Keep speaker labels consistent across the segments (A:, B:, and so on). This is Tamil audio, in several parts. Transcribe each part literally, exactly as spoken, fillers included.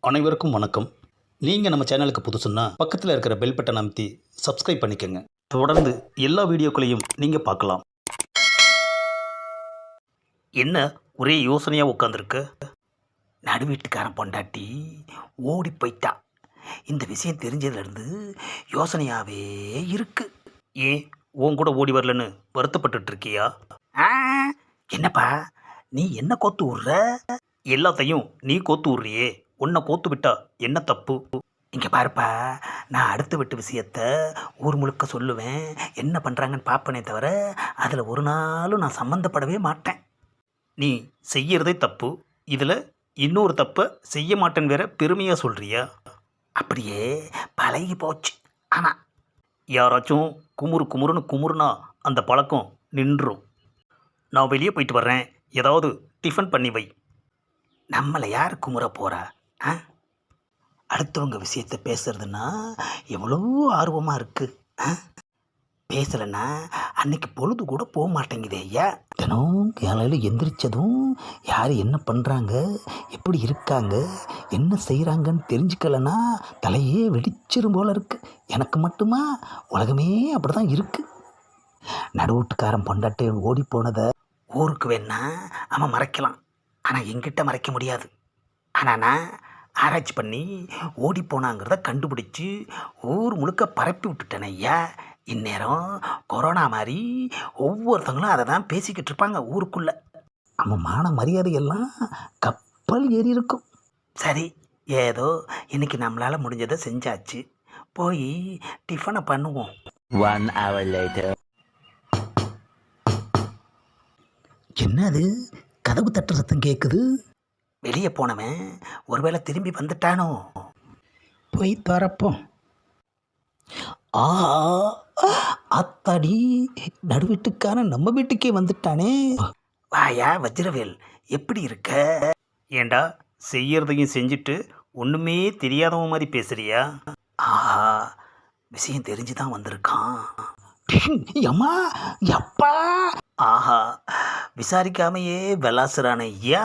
A: அனைவருக்கும் வணக்கம். நீங்கள் நம்ம சேனலுக்கு புதுசுன்னா பக்கத்தில் இருக்கிற பெல் பட்டன் அமைத்தி சப்ஸ்கிரைப் பண்ணிக்கோங்க. தொடர்ந்து எல்லா வீடியோக்களையும் நீங்கள் பார்க்கலாம். என்ன ஒரே யோசனையாக உட்காந்துருக்கு?
B: நடுவீட்டுக்காரன் பொண்டாட்டி ஓடி போயிட்டா. இந்த விஷயம் தெரிஞ்சதுலேருந்து யோசனையாகவே இருக்கு.
A: ஏன் உன் கூட ஓடி வரலன்னு வருத்தப்பட்டுட்டு இருக்கியா?
B: ஆ, என்னப்பா நீ என்ன கோத்து விட்ற?
A: எல்லாத்தையும் நீ கோத்து விட்றியே, உன்னை கோத்து விட்டா என்ன தப்பு?
B: இங்கே பாருப்பா, நான் அடுத்த வீட்டு விஷயத்த ஊர் முழுக்க சொல்லுவேன், என்ன பண்ணுறாங்கன்னு பார்ப்பனே தவிர அதில் ஒரு நாளும் நான் சம்மந்தப்படவே மாட்டேன்.
A: நீ செய்யறதே தப்பு, இதில் இன்னொரு தப்பை செய்ய மாட்டேன்னு வேற பெருமையாக சொல்கிறியா?
B: அப்படியே பழகி போச்சு. ஆமாம்,
A: யாராச்சும் குமுறு குமுறுன்னு குமுறுனா அந்த பழக்கம் நின்றும். நான் வெளியே போயிட்டு வர்றேன், ஏதாவது டிஃபன் பண்ணி வை.
B: நம்மளை யார் குமுற போகிறா? ஆ, அடுத்தவங்க விஷயத்தை பேசுறதுன்னா எவ்வளோ ஆர்வமாக இருக்குது. ஆ, பேசலைன்னா அன்னைக்கு பொழுது கூட போக மாட்டேங்குதே ஐயா. தினம் காலையில் எந்திரிச்சதும் யார் என்ன பண்ணுறாங்க, எப்படி இருக்காங்க, என்ன செய்கிறாங்கன்னு தெரிஞ்சுக்கலன்னா தலையே வெடிச்சிரும் போல இருக்கு. எனக்கு மட்டுமா? உலகமே அப்படி தான் இருக்குது. நடுவூட்டுக்காரன் பொண்டாட்டி ஓடி போனதை ஊருக்கு வேணா அவன் மறைக்கலாம், ஆனால் என்கிட்ட மறைக்க முடியாது. ஆனால் நான் ஆராய்ச்சி பண்ணி ஓடி போனாங்கிறத கண்டுபிடிச்சி ஊர் முழுக்க பரப்பி விட்டுட்டேன் ஐயா. இந்நேரம் கொரோனா மாதிரி ஒவ்வொருத்தங்களும் அதை தான் பேசிக்கிட்டு இருப்பாங்க ஊருக்குள்ளே. அவன் மான மரியாதையெல்லாம் கப்பல் ஏறி இருக்கும். சரி, ஏதோ இன்னைக்கு நம்மளால் முடிஞ்சதை செஞ்சாச்சு, போய் டிஃபனை பண்ணுவோம்.
C: One hour later.
B: என்னது கதவு தட்டுற சத்தம் கேட்குது? வெளியே போனவன் ஒருவேளை திரும்பி வந்துட்டானோ? போய் திறப்போம். ஆஹா, அத்தாடி, நடுவீட்டுக்கான நம்ம வீட்டுக்கே வந்துட்டானே. வாயா வஜ்ரவேல், எப்படி இருக்க?
A: ஏண்டா செய்யறதையும் செஞ்சுட்டு ஒன்றுமே தெரியாதவன் மாதிரி பேசுறியா?
B: ஆஹா, விஷயம் தெரிஞ்சு தான் வந்திருக்கான். அம்மா, அப்பா, ஆஹா, விசாரிக்காமையே விளாசுறான ஐயா.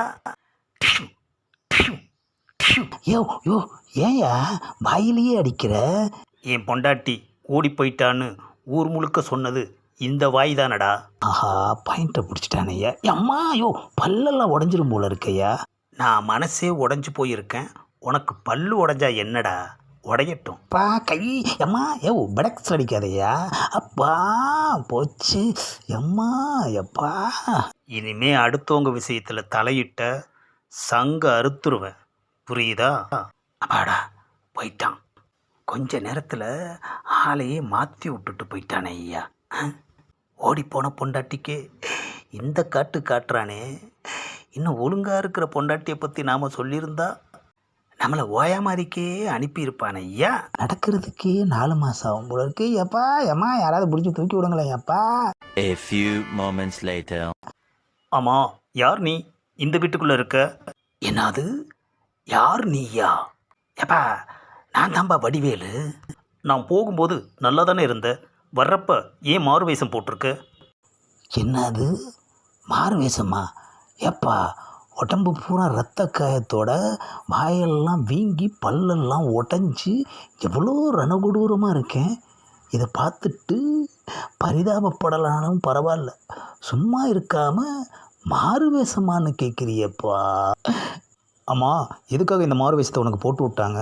B: யோ யோ, ஏயா வாயிலேயே அடிக்கிற?
A: என் பொண்டாட்டி ஓடி போயிட்டான்னு ஊர் முழுக்க சொன்னது இந்த வாய் தானடா.
B: ஆஹா, பாயிண்ட்டை பிடிச்சிட்டானே ஐயா. அம்மா, யோ பல்லெல்லாம் உடஞ்சிரும் போல இருக்கையா.
A: நான் மனசே உடஞ்சி போயிருக்கேன், உனக்கு பல்லு உடஞ்சா என்னடா? உடையட்டும்.
B: பா கை. அம்மா, யோ படக்ஸ் அடிக்காதையா. அப்பா போச்சு. எம்மா எப்பா,
A: இனிமே அடுத்தவங்க விஷயத்தில் தலையிட்ட சங்க அறுத்துருவேன், புரியுதா?
B: அப்பாடா, போயிட்டான். கொஞ்ச நேரத்தில் ஆளையே மாற்றி விட்டுட்டு போயிட்டானே ஐயா. ஓடிப்போன பொண்டாட்டிக்கு இந்த காட்டு காட்டுறானே. இன்னும் ஒழுங்காக இருக்கிற பொண்டாட்டியை பற்றி நாம் சொல்லியிருந்தா நம்மளை ஓயா மாதிரிக்கே அனுப்பியிருப்பானே ஐயா. நடக்கிறதுக்கே நாலு மாதம் ஆகும் போல இருக்கு. எப்பா ஏம்மா, யாராவது பிடிச்சி தூக்கி விடுங்களேன் எப்பா.
C: A few moments later.
A: ஆமாம், யார் நீ இந்த வீட்டுக்குள்ளே இருக்க?
B: என்னது, யார் நீயா? எப்பா, நான் தான்பா வடிவேலு.
A: நான் போகும்போது நல்லா தானே இருந்த, வர்றப்ப ஏன் மாறு வேஷம் போட்டிருக்க?
B: என்னது மாறு வேஷமா? எப்பா, உடம்பு பூரா ரத்த காயத்தோட வாயெல்லாம் வீங்கி பல்லெல்லாம் உடஞ்சி எவ்வளோ ரணகொடூரமாக இருக்கேன். இதை பார்த்துட்டு பரிதாபப்படலானும் பரவாயில்ல, சும்மா இருக்காமல் மாறு வேஷமானு கேட்குறியப்பா.
A: ஆமாம், எதுக்காக இந்த மாறு வேஷத்தை உனக்கு போட்டு விட்டாங்க?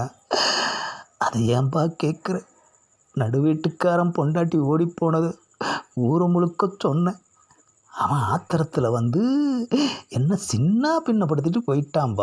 B: அதை ஏன்பா கேட்குற? நடுவீட்டுக்காரன் பொண்டாட்டி ஓடி போனது ஊர் முழுக்க சொன்னேன். அவன் ஆத்திரத்தில் வந்து என்ன சின்ன பின்னப்படுத்திட்டு போயிட்டான்பா.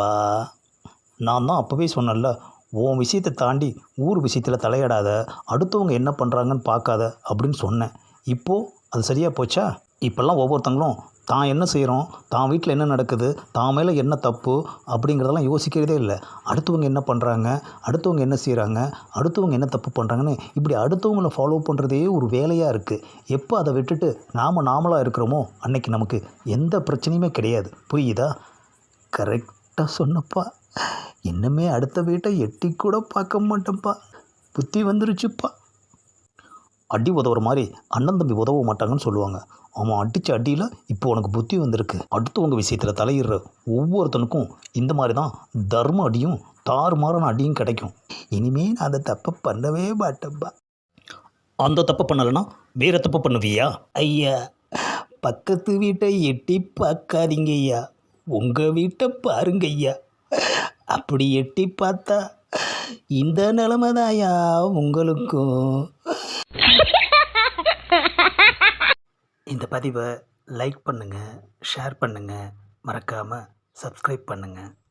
A: நான் தான் அப்போவே சொன்னேன்ல, உன் விஷயத்தை தாண்டி ஊர் விஷயத்தில் தலையிடாத, அடுத்தவங்க என்ன பண்ணுறாங்கன்னு பார்க்காத அப்படின்னு சொன்னேன். இப்போது அது சரியாக போச்சா? இப்போல்லாம் ஒவ்வொருத்தங்களும் தான் என்ன செய்கிறோம், தான் வீட்டில் என்ன நடக்குது, தான் மேலே என்ன தப்பு அப்படிங்கிறதெல்லாம் யோசிக்கிறதே இல்லை. அடுத்தவங்க என்ன பண்ணுறாங்க, அடுத்தவங்க என்ன செய்கிறாங்க, அடுத்தவங்க என்ன தப்பு பண்ணுறாங்கன்னு இப்படி அடுத்தவங்களை ஃபாலோ பண்ணுறதே ஒரு வேலையாக இருக்குது. எப்போ அதை விட்டுட்டு நாம் நாமளாக இருக்கிறோமோ அன்னைக்கு நமக்கு எந்த பிரச்சனையுமே கிடையாது, புரியுதா?
B: கரெக்டாக சொன்னப்பா. இன்னுமே அடுத்த வீட்டை எட்டி கூட பார்க்க மாட்டேன்ப்பா. புத்தி வந்துருச்சுப்பா.
A: அடி உதவுற மாதிரி அண்ணன் தம்பி உதவ மாட்டாங்கன்னு சொல்லுவாங்க. அவன் அடித்த அடியில் இப்போ உனக்கு புத்தி வந்திருக்கு. அடுத்தவங்க விஷயத்தில் தலையிடுற ஒவ்வொருத்தனுக்கும் இந்த மாதிரி தான் தர்ம அடியும் தாறுமாறான அடியும் கிடைக்கும்.
B: இனிமே நான் அந்த தப்பை பண்ணவே மாட்டேன்பா.
A: அந்த தப்பு பண்ணலைன்னா வேறு தப்பு பண்ணுவியா?
B: ஐயா, பக்கத்து வீட்டை எட்டி பார்க்காதீங்க ஐயா, உங்கள் வீட்டை பாருங்க ஐயா. அப்படி எட்டி பார்த்தா இந்த நிலைமை தான்யா உங்களுக்கும். இந்த பதிவை லைக் பண்ணுங்கள், ஷேர் பண்ணுங்கள், மறக்காமல் சப்ஸ்கிரைப் பண்ணுங்கள்.